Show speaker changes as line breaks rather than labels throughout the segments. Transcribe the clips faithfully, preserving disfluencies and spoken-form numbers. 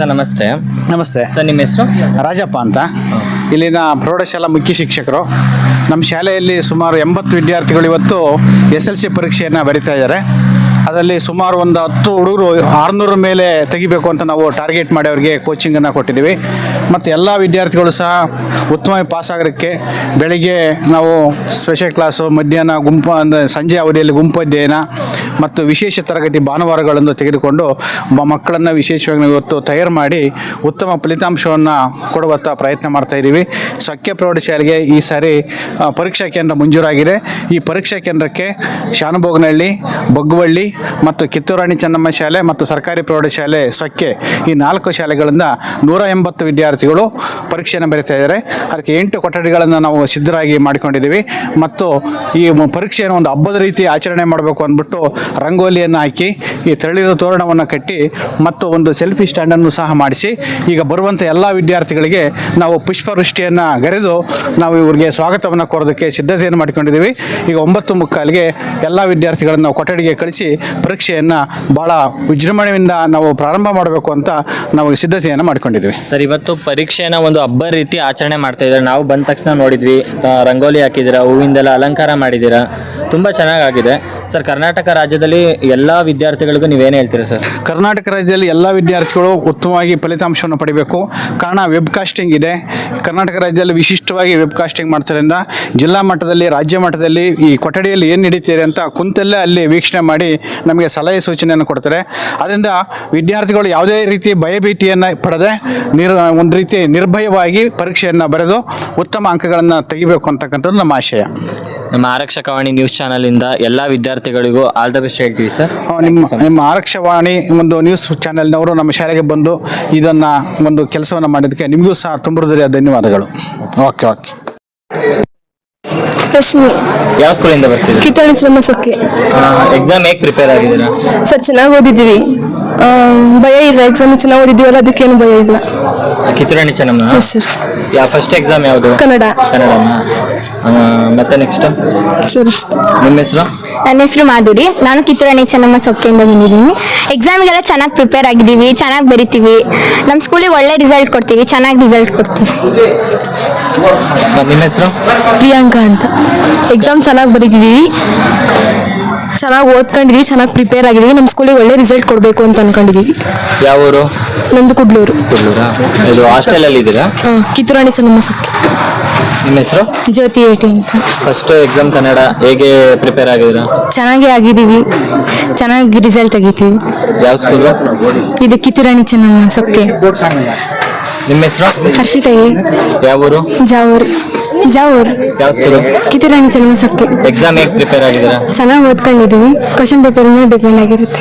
Sir ನಮಸ್ತೆ.
ನಮಸ್ತೆ
sir, ನಿಮ್ಮ ಹೆಸರು?
ರಾಜಪ್ಪ ಅಂತ. ಇಲ್ಲಿನ ಪ್ರೌಢಶಾಲಾ ಮುಖ್ಯ ಶಿಕ್ಷಕರು. ನಮ್ಮ ಶಾಲೆಯಲ್ಲಿ ಸುಮಾರು ಎಂಬತ್ತು ವಿದ್ಯಾರ್ಥಿಗಳು ಇವತ್ತು ಎಸ್ ಎಲ್ ಸಿ ಪರೀಕ್ಷೆಯನ್ನು ಬರಿತಾ ಇದ್ದಾರೆ. ಅದರಲ್ಲಿ ಸುಮಾರು ಒಂದು ಹತ್ತು ಹುಡುಗರು ಆರುನೂರ ಮೇಲೆ ತೆಗಿಬೇಕು ಅಂತ ನಾವು ಟಾರ್ಗೆಟ್ ಮಾಡಿ ಅವರಿಗೆ ಕೋಚಿಂಗನ್ನು ಕೊಟ್ಟಿದ್ದೀವಿ. ಮತ್ತು ಎಲ್ಲ ವಿದ್ಯಾರ್ಥಿಗಳು ಸಹ ಉತ್ತಮವಾಗಿ ಪಾಸಾಗೋದಕ್ಕೆ ಬೆಳಿಗ್ಗೆ ನಾವು ಸ್ಪೆಷಲ್ ಕ್ಲಾಸು, ಮಧ್ಯಾಹ್ನ ಗುಂಪು ಅಂದರೆ ಸಂಜೆ ಅವಧಿಯಲ್ಲಿ ಗುಂಪು ಅಧ್ಯಯನ ಮತ್ತು ವಿಶೇಷ ತರಗತಿ ಭಾನುವಾರಗಳನ್ನು ತೆಗೆದುಕೊಂಡು ಮಕ್ಕಳನ್ನು ವಿಶೇಷವಾಗಿ ನಾವು ಇವತ್ತು ತಯಾರು ಮಾಡಿ ಉತ್ತಮ ಫಲಿತಾಂಶವನ್ನು ಕೊಡುವಂಥ ಪ್ರಯತ್ನ ಮಾಡ್ತಾಯಿದ್ದೀವಿ. ಸಖ್ಯ ಪ್ರೌಢಶಾಲೆಗೆ ಈ ಸಾರಿ ಪರೀಕ್ಷಾ ಕೇಂದ್ರ ಮಂಜೂರಾಗಿದೆ. ಈ ಪರೀಕ್ಷಾ ಕೇಂದ್ರಕ್ಕೆ ಶಾನುಭೋಗನಹಳ್ಳಿ, ಬಗ್ಗುವಳ್ಳಿ ಮತ್ತು ಕಿತ್ತೂರಾಣಿ ಚೆನ್ನಮ್ಮ ಶಾಲೆ ಮತ್ತು ಸರ್ಕಾರಿ ಪ್ರೌಢಶಾಲೆ ಸಖ್ಯ ಈ ನಾಲ್ಕು ಶಾಲೆಗಳಿಂದ ನೂರ ಎಂಬತ್ತು ವಿದ್ಯಾರ್ಥಿಗಳು ಪರೀಕ್ಷೆಯನ್ನು ಬರೀತಾ ಇದ್ದಾರೆ. ಅದಕ್ಕೆ ಎಂಟು ಕೊಠಡಿಗಳನ್ನು ನಾವು ಸಿದ್ಧರಾಗಿ ಮಾಡಿಕೊಂಡಿದ್ದೀವಿ. ಮತ್ತು ಈ ಪರೀಕ್ಷೆಯನ್ನು ಒಂದು ಹಬ್ಬದ ರೀತಿ ಆಚರಣೆ ಮಾಡಬೇಕು ಅಂದ್ಬಿಟ್ಟು ರಂಗೋಲಿಯನ್ನು ಹಾಕಿ ಈ ತಳಿರು ತೋರಣವನ್ನು ಕಟ್ಟಿ ಮತ್ತು ಒಂದು ಸೆಲ್ಫಿ ಸ್ಟ್ಯಾಂಡನ್ನು ಸಹ ಮಾಡಿಸಿ ಈಗ ಬರುವಂಥ ಎಲ್ಲ ವಿದ್ಯಾರ್ಥಿಗಳಿಗೆ ನಾವು ಪುಷ್ಪವೃಷ್ಟಿಯನ್ನು ಗರೆದು ನಾವು ಇವರಿಗೆ ಸ್ವಾಗತವನ್ನು ಕೋರೋದಕ್ಕೆ ಸಿದ್ಧತೆಯನ್ನು ಮಾಡಿಕೊಂಡಿದ್ದೀವಿ. ಈಗ ಒಂಬತ್ತು ಮುಕ್ಕಾಲಿಗೆ ಎಲ್ಲ ವಿದ್ಯಾರ್ಥಿಗಳನ್ನು ನಾವು ಕೊಠಡಿಗೆ ಕಳಿಸಿ ಪರೀಕ್ಷೆಯನ್ನು ಭಾಳ ವಿಜೃಂಭಣೆಯಿಂದ ನಾವು ಪ್ರಾರಂಭ ಮಾಡಬೇಕು ಅಂತ ನಾವು ಸಿದ್ಧತೆಯನ್ನು ಮಾಡಿಕೊಂಡಿದ್ದೀವಿ.
ಸರ್, ಇವತ್ತು ಪರೀಕ್ಷೆನ ಒಂದು ಹಬ್ಬ ರೀತಿ ಆಚರಣೆ ಮಾಡ್ತಾ ಇದ್ದಾರೆ. ನಾವು ಬಂದ ತಕ್ಷಣ ನೋಡಿದ್ವಿ, ರಂಗೋಲಿ ಹಾಕಿದ್ದೀರಾ, ಹೂವಿಂದೆಲ್ಲ ಅಲಂಕಾರ ಮಾಡಿದ್ದೀರಾ, ತುಂಬ ಚೆನ್ನಾಗಾಗಿದೆ. ಸರ್, ಕರ್ನಾಟಕ ರಾಜ್ಯದಲ್ಲಿ ಎಲ್ಲ ವಿದ್ಯಾರ್ಥಿಗಳಿಗೂ ನೀವೇನು ಹೇಳ್ತೀರಾ ಸರ್?
ಕರ್ನಾಟಕ ರಾಜ್ಯದಲ್ಲಿ ಎಲ್ಲ ವಿದ್ಯಾರ್ಥಿಗಳು ಉತ್ತಮವಾಗಿ ಫಲಿತಾಂಶವನ್ನು ಪಡಿಬೇಕು. ಕಾರಣ ವೆಬ್ ಕಾಸ್ಟಿಂಗ್ ಇದೆ. ಕರ್ನಾಟಕ ರಾಜ್ಯದಲ್ಲಿ ವಿಶಿಷ್ಟವಾಗಿ ವೆಬ್ ಕಾಸ್ಟಿಂಗ್ ಮಾಡ್ತಾರಿಂದ ಜಿಲ್ಲಾ ಮಟ್ಟದಲ್ಲಿ, ರಾಜ್ಯ ಮಟ್ಟದಲ್ಲಿ ಈ ಕೊಠಡಿಯಲ್ಲಿ ಏನು ನಡೀತಿದೆ ಅಂತ ಕುಂತಲ್ಲೇ ಅಲ್ಲಿ ವೀಕ್ಷಣೆ ಮಾಡಿ ನಮಗೆ ಸಲಹೆ ಸೂಚನೆಯನ್ನು ಕೊಡ್ತಾರೆ. ಅದರಿಂದ ವಿದ್ಯಾರ್ಥಿಗಳು ಯಾವುದೇ ರೀತಿ ಭಯಭೀತಿಯನ್ನು ಪಡೆದೇ ನಿರ್ ಒಂದು ರೀತಿ ನಿರ್ಭಯವಾಗಿ ಪರೀಕ್ಷೆಯನ್ನು ಬರೆದು ಉತ್ತಮ ಅಂಕಗಳನ್ನು ತೆಗಿಬೇಕು ಅಂತಕ್ಕಂಥದ್ದು ನಮ್ಮ ಆಶಯ.
ನಮ್ಮ ಆರಕ್ಷಕವಾಣಿ ನ್ಯೂಸ್ ಚಾನಲಿಂದ ಎಲ್ಲ ವಿದ್ಯಾರ್ಥಿಗಳಿಗೂ ಆಲ್ ದ ಬೆಸ್ಟ್ ಹೇಳ್ತೀವಿ ಸರ್.
ನಿಮ್ಮ ನಿಮ್ಮ ಆರಕ್ಷವಾಣಿ ಒಂದು ನ್ಯೂಸ್ ಚಾನೆಲ್ನವರು ನಮ್ಮ ಶಾಲೆಗೆ ಬಂದು ಇದನ್ನು ಒಂದು ಕೆಲಸವನ್ನು ಮಾಡಿದ್ದಕ್ಕೆ ನಿಮಗೂ ಸಹ ತುಂಬ ಹೃದಯ ಧನ್ಯವಾದಗಳು. ಓಕೆ ಓಕೆ
ರಶ್ಮಿ,
ಯಾವ ಸ್ಕೂಲಿಂದ ಬರ್ತೀವಿ?
ಕಿತ್ತೂರಾಣಿ ಚೆನ್ನಮ್ಮ ಸೊಕ್ಕೆ.
ಎಕ್ಸಾಮ್ ಹೇಗೆ ಪ್ರಿಪೇರ್ ಆಗಿದ್ದೀರಾ
ಸರ್? ಚೆನ್ನಾಗಿ ಓದಿದ್ದೀವಿ, ಭಯ ಇಲ್ಲ. ಎಕ್ಸಾಮ್ ಚೆನ್ನಾಗಿ ಓದಿದ್ದೀವಲ್ಲ, ಅದಕ್ಕೇನು ಭಯ ಇಲ್ಲ.
ಕಿತ್ತೂರಾಣಿ ಚೆನ್ನಮ್ಮ
ಸರ್.
ಯಾವ ಫಸ್ಟ್ ಎಕ್ಸಾಮ್ ಯಾವುದು?
ಕನ್ನಡ.
ಕನ್ನಡನಾ? ಮತ್ತೆ ನೆಕ್ಸ್ಟ್
ಸರ್.
ನಿಮ್ಮ ಹೆಸರು?
ನನ್ನ ಹೆಸರು ಮಾಧುರಿ. ನಾನು ಕಿತ್ತೂರಾಣಿ ಚೆನ್ನಮ್ಮ ಸೊಕ್ಕೆಯಿಂದ ಬಂದಿದ್ದೀನಿ. ಎಕ್ಸಾಮಿಗೆಲ್ಲ ಚೆನ್ನಾಗಿ ಪ್ರಿಪೇರ್ ಆಗಿದ್ದೀವಿ, ಚೆನ್ನಾಗಿ ಬರಿತೀವಿ. ನಮ್ಮ ಸ್ಕೂಲಿಗೆ ಒಳ್ಳೆ ರಿಸಲ್ಟ್ ಕೊಡ್ತೀವಿ, ಚೆನ್ನಾಗಿ ರಿಸಲ್ಟ್ ಕೊಡ್ತೀವಿ.
ನಿಮ್ಮ ಹೆಸರು?
ಪ್ರಿಯಾಂಕಾ ಅಂತ. ಎಕ್ಸಾಮ್ ಚೆನ್ನಾಗಿ ಬರೀತಿದ್ದೀವಿ, ಚೆನ್ನಾಗಿ ಓದ್ಕೊಂಡಿದ್ದೀವಿ, ಚೆನ್ನಾಗಿ ಪ್ರಿಪೇರ್ ಆಗಿದ್ದೀವಿ. ನಮ್ಮ ಸ್ಕೂಲಿಗೆ ಒಳ್ಳೆ ರಿಸಲ್ಟ್ ಕೊಡಬೇಕು ಅಂತ ಅನ್ಕೊಂಡಿದ್ದೀವಿ.
ಯಾವ ಊರು?
ನಂದು ಕುಡ್ಲೂರು.
ಕುಡ್ಲೂರಾ? ಇದು ಹಾಸ್ಟೆಲಲ್ಲಿ ಇದ್ದೀರಾ?
ಹಾಂ, ಕಿತ್ತೂರಾಣಿ ಚೆನ್ನಮ್ಮ ಸೊಕ್ಕೆ.
ನಿಮ್ಮ ಹೆಸರು?
ಜ್ಯೋತಿ ಏಟಿ ಅಂತ.
ಫಸ್ಟ್ ಎಕ್ಸಾಮ್ ಕನ್ನಡ ಹೇಗೆ ಪ್ರಿಪೇರ್ ಆಗಿದ್ದೀರಾ?
ಚೆನ್ನಾಗಿ ಆಗಿದ್ದೀವಿ, ಚೆನ್ನಾಗಿ ರಿಸಲ್ಟ್ ತೆಗಿತೀವಿ.
ಯಾವ ಸ್ಕೂಲು?
ಇದು ಕಿತ್ತೂರಾಣಿ ಚೆನ್ನಮ್ಮ ಸೊಕ್ಕೆ.
ನಿಮ್ಮ ಹೆಸರು?
ಹರ್ಷಿತಾ.
ಯಾವ ಊರು?
ಜಾವೂರ್. ಜಾವೂರ್.
ಯಾವ ಸ್ಕೂಲು?
ಕಿತ್ತೂರಾಣಿ ಚೆನ್ನಮ್ಮ ಸೊಕ್ಕೆ.
ಎಕ್ಸಾಮ್ ಹೇಗೆ ಪ್ರಿಪೇರ್ ಆಗಿದ್ದೀರಾ?
ಚೆನ್ನಾಗಿ ಓದ್ಕೊಂಡಿದ್ದೀವಿ. ಕ್ವಶನ್ ಪೇಪರ್ ಮೇಲೆ ಡಿಪೆಂಡ್ ಆಗಿರುತ್ತೆ.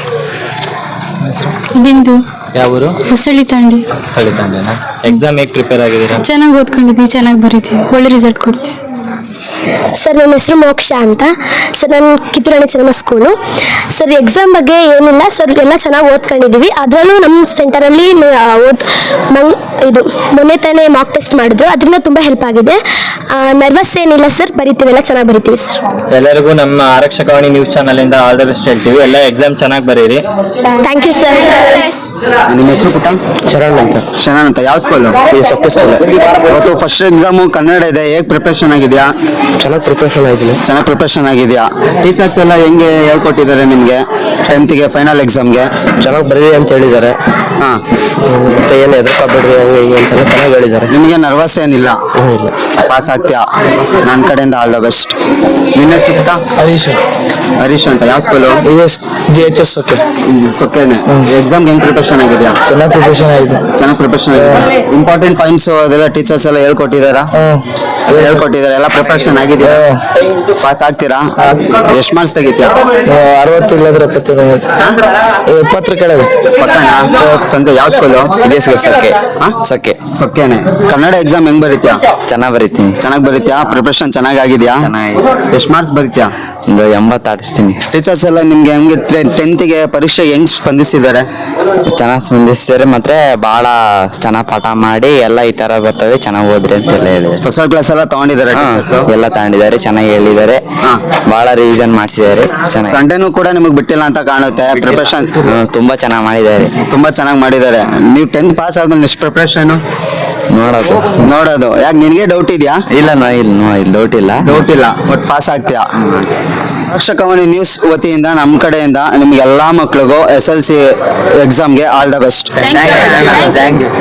ಬಿಂದು.
ಯಾವ ಊರು?
ಹೊಸಳ್ಳಿ ತಾಂಡಿ.
ಹೊಸಳ್ಳಿ ತಾಂಡಿನಾ? ಎಕ್ಸಾಮ್ ಹೇಗೆ ಪ್ರಿಪೇರ್ ಆಗಿದ್ದೀರಾ?
ಚೆನ್ನಾಗಿ ಓದ್ಕೊಂಡಿದ್ದೀವಿ, ಚೆನ್ನಾಗಿ ಬರೀತೀವಿ, ಒಳ್ಳೆ ರಿಸಲ್ಟ್ ಕೊಡ್ತೀವಿ.
ಸರ್, ನನ್ನ ಹೆಸರು ಮೋಕ್ಷ ಅಂತ. ಸರ್, ನಾನು Kitturani Chennamma school. Sir, exam ಬಗ್ಗೆ ಏನಿಲ್ಲ ಸರ್, ಎಲ್ಲ ಚೆನ್ನಾಗಿ ಓದ್ಕೊಂಡಿದ್ದೀವಿ. ಅದರಲ್ಲೂ ನಮ್ಮ ಸೆಂಟರಲ್ಲಿ ಓದ್ ಮಂಗ್ ಇದು ಮೊನ್ನೆ ತಾನೇ ಮಾಕ್ ಟೆಸ್ಟ್ ಮಾಡಿದ್ರು, ಅದರಿಂದ ತುಂಬ ಹೆಲ್ಪ್ ಆಗಿದೆ. ನರ್ವಸ್ ಏನಿಲ್ಲ ಸರ್, ಬರಿತೀವಿ, ಎಲ್ಲ ಚೆನ್ನಾಗಿ ಬರಿತೀವಿ ಸರ್.
ಎಲ್ಲರಿಗೂ ನಮ್ಮ ಆರಕ್ಷಕವಾಣಿ ನ್ಯೂಸ್ ಚಾನಲಿಂದ ಆಲ್ ದ ಬೆಸ್ಟ್ ಹೇಳ್ತೀವಿ. ಎಲ್ಲ ಎಕ್ಸಾಮ್ ಚೆನ್ನಾಗಿ ಬರೀರಿ.
Thank you sir.
ನಿಮ್ಮ ಹೆಸರು ಪುಟ್ಟ? ಶರಣ್ ಅಂತ. ಶರಣ್ ಅಂತ. ಯಾವ ಸ್ಕೂಲು? ಸೊಕ್ಕೆ ಸ್ಕೂಲ್. ಇವತ್ತು ಫಸ್ಟ್ ಎಕ್ಸಾಮು ಕನ್ನಡ ಇದೆ, ಹೇಗೆ ಪ್ರಿಪ್ರೇಷನ್ ಆಗಿದೆಯಾ?
ಚೆನ್ನಾಗಿ ಪ್ರಿಪ್ರೇಷನ್ ಆಗಿದ್ದೀನಿ.
ಚೆನ್ನಾಗಿ ಪ್ರಿಪ್ರೇಷನ್ ಆಗಿದೆಯಾ? ಟೀಚರ್ಸ್ ಎಲ್ಲ ಹೆಂಗೆ ಹೇಳ್ಕೊಟ್ಟಿದ್ದಾರೆ ನಿಮಗೆ ಟೆಂತ್ಗೆ ಫೈನಲ್ ಎಕ್ಸಾಮ್ಗೆ?
ಚೆನ್ನಾಗಿ ಬರೀರಿ ಅಂತ ಹೇಳಿದ್ದಾರೆ.
ಹಾಂ,
ಮತ್ತೆ ಏನು ಎದುರ್ಕೋಬೇಡ್ರಿ ಹಂಗೆ ಹಿಂಗೆ ಅಂತೆಲ್ಲ ಚೆನ್ನಾಗಿ ಹೇಳಿದ್ದಾರೆ.
ನಿಮಗೆ ನರ್ವಸ್ ಏನಿಲ್ಲ?
ಇಲ್ಲ,
ಪಾಸ್ ಆಗ್ತೀಯಾ? ನನ್ನ ಕಡೆಯಿಂದ ಆಲ್ ದ ಬೆಸ್ಟ್. ನಿನ್ನ ಹೆಸರು ಪುಟ್ಟ?
ಹರೀಶ್.
ಹರೀಶ್ ಅಂತ. ಯಾವ school?
G H S okay.
ಸೊಕ್ಕೇನೆ. ಎಕ್ಸಾಮ್ಗೆ ಹೆಂಗೆ ಪ್ರಿಪ್ರೇಷನ್ ಆಗಿದೆಯಾ?
ಚೆನ್ನಾಗಿ ಪ್ರಿಪ್ರೇಷನ್ ಆಗಿದೆ.
ಚೆನ್ನಾಗಿ ಪ್ರಿಪ್ರೇಷನ್ ಆಗಿದೆ. ಇಂಪಾರ್ಟೆಂಟ್ ಪಾಯಿಂಟ್ಸ್ ಅದೆಲ್ಲ ಟೀಚರ್ಸ್ ಎಲ್ಲ ಹೇಳ್ಕೊಟ್ಟಿದ್ದಾರಾ? ಹೇಳ್ಕೊಟ್ಟಿದ್ದಾರೆ, ಎಲ್ಲ ಪ್ರಿಪ್ರೇಷನ್ ಆಗಿದೆಯಾ? ಪಾಸ್ ಆಗ್ತೀರಾ? ಎಷ್ಟು ಮಾರ್ಕ್ಸ್ ತೆಗಿತೀಯಾ?
ಅರವತ್ತು ಇಲ್ಲದ್ರೆ ಎಪ್ಪತ್ತು ಎಪ್ಪತ್ತರ ಕೆಳಗೆ.
ಪಕ್ಕನಾ? ಸಂಜೆ ಯಾವ ಸ್ಕೂಲು?
ಸೊಕ್ಕೆ. ಸೊಕ್ಕೆ.
ಸೊಕ್ಕೇನೆ. ಕನ್ನಡ ಎಕ್ಸಾಮ್ ಹೆಂಗ್ ಬರೀತ್ಯಾ?
ಚೆನ್ನಾಗಿ ಬರೀತೀನಿ.
ಚೆನ್ನಾಗಿ ಬರೀತ್ಯಾ? ಪ್ರಿಪ್ರೇಷನ್ ಚೆನ್ನಾಗಿ ಆಗಿದೆಯಾ? ಎಷ್ಟು ಮಾರ್ಕ್ಸ್ ಬರೀತ್ಯಾ?
ಒಂದು ಎಂಬತ್ತು ಆಡಿಸ್ತೀನಿ.
ಟೀಚರ್ಸ್ ಎಲ್ಲ ನಿಮ್ಗೆ ಹೆಂಗೆ ಟೆಂತ್ಗೆ ಪರೀಕ್ಷೆ ಹೆಂಗ್ ಸ್ಪಂದಿಸಿದ್ದಾರೆ?
ಚೆನ್ನಾಗಿ ಸ್ಪಂದಿಸಿದ್ದಾರೆ, ಮತ್ತೆ ಬಹಳ ಚೆನ್ನಾಗಿ ಪಾಠ ಮಾಡಿ ಎಲ್ಲ ಈ ತರ ಬರ್ತವೆ, ಚೆನ್ನಾಗಿ ಓದ್ರಿ ಅಂತೆಲ್ಲ ಹೇಳಿ.
ಸ್ಪೆಷಲ್ ಕ್ಲಾಸ್ ಎಲ್ಲ ತಗೊಂಡಿದ್ದಾರೆ,
ಎಲ್ಲ ತಗೊಂಡಿದ್ದಾರೆ, ಚೆನ್ನಾಗಿ ಹೇಳಿದ್ದಾರೆ, ಬಹಳ ರಿವಿಷನ್ ಮಾಡಿಸಿದ್ದಾರೆ.
ಸಂಡೇನೂ ಕೂಡ ನಿಮಗೆ ಬಿಟ್ಟಿಲ್ಲ ಅಂತ ಕಾಣುತ್ತೆ. ಪ್ರಿಪರೇಷನ್
ತುಂಬಾ ಚೆನ್ನಾಗಿ ಮಾಡಿದ್ದಾರೆ.
ತುಂಬಾ ಚೆನ್ನಾಗಿ ಮಾಡಿದ್ದಾರೆ. ನೀವು ಟೆಂತ್ ಪಾಸ್ ಆದ್ಮೇಲೆ ನೆಕ್ಸ್ಟ್ ಪ್ರಿಪ್ರೇಷನ್
ನೋಡೋದು
ನೋಡೋದು. ಯಾಕೆ ನಿನಗೆ ಡೌಟ್ ಇದೆಯಾ?
ಇಲ್ಲ ನೋ ಇಲ್ಲ ನೋ ಇಲ್ಲ ಡೌಟ್ ಇಲ್ಲ
ಡೌಟ್ ಇಲ್ಲ, ಬಟ್ ಪಾಸ್ ಆಗ್ತೀಯಾ? ರಕ್ಷಕವಾಣಿ ನ್ಯೂಸ್ ವತಿಯಿಂದ ನಮ್ಮ ಕಡೆಯಿಂದ ನಿಮ್ಗೆ ಎಲ್ಲಾ ಮಕ್ಳಿಗೂ ಎಸ್ ಎಲ್ ಸಿ ಎಕ್ಸಾಮ್ಗೆ all the best.
Thank you